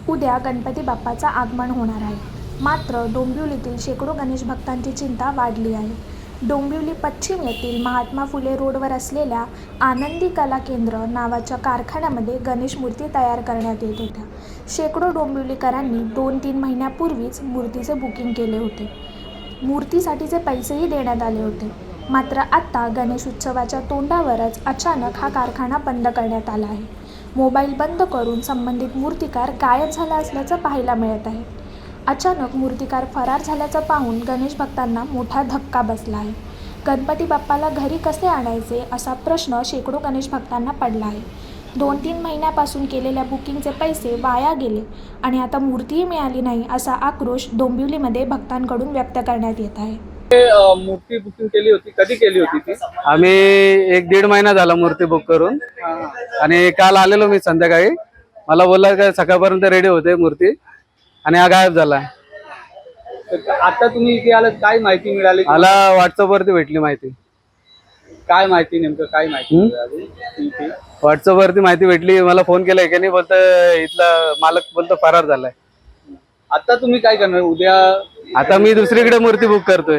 उद्या गणपती बाप्पाचं आगमन होणार आहे. मात्र डोंबिवलीतील शेकडो गणेश भक्तांची चिंता वाढली आहे. डोंबिवली पश्चिम येथील महात्मा फुले रोडवर असलेल्या आनंदी कला केंद्र नावाच्या कारखान्यामध्ये गणेश मूर्ती तयार करण्यात येत होत्या. शेकडो डोंबिवलीकरांनी 2-3 महिन्यापूर्वीच मूर्तीचे बुकिंग केले होते. मूर्तीसाठीचे पैसेही देण्यात आले होते. मात्र आता गणेश उत्सवाच्या तोंडावरच अचानक हा कारखाना बंद करण्यात आला आहे. मोबाईल बंद करून संबंधित मूर्तिकार गायब झाला असल्याचं पाहायला मिळत आहे. अचानक मूर्तिकार फरार झाल्याचं पाहून गणेश भक्तांना मोठा धक्का बसला आहे. गणपती बाप्पाला घरी कसे आणायचे असा प्रश्न शेकडो गणेश भक्तांना पडला आहे. 2-3 महिन्यापासून केलेल्या बुकिंगचे पैसे वाया गेले आणि आता मूर्तीही मिळाली नाही असा आक्रोश डोंबिवलीमध्ये भक्तांकडून व्यक्त करण्यात येत आहे. मूर्ती बुकिंग केली होती, कधी केली होती ती? आम्ही 1-1.5 महिना झाला मूर्ती बुक करून आणि काल आलेलो मी संध्याकाळी. मला बोलला का सकाळपर्यंत रेडी होते मूर्ती आणि हा गायब झाला. आता तुम्ही इथे आलात, काय माहिती मिळाली? मला व्हॉट्सअप वरती भेटली माहिती. काय माहिती, नेमकं काय माहिती मिळाली? व्हॉट्सअप वरती माहिती भेटली. मला फोन केलाय की नाही, बोलतो इथला मालक बोलतो फरार झालाय. आता तुम्ही काय करणार उद्या? आता मी दुसरीकडे मूर्ती बुक करतोय.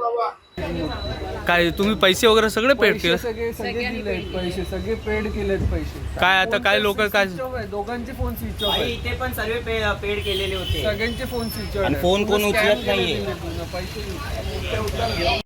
काय तुम्ही पैसे वगैरे सगळे पेड केले? सगळे दिलेत पैसे, सगळे पेड केलेत पैसे. काय आता काय लोक काय दोघांचे फोन स्विच ऑफ आहेत. इथे पण सर्व पेड केलेले होते. सगळ्यांचे फोन स्विच ऑफ आणि आहेत. फोन कोण उचलत नाहीये. पैसे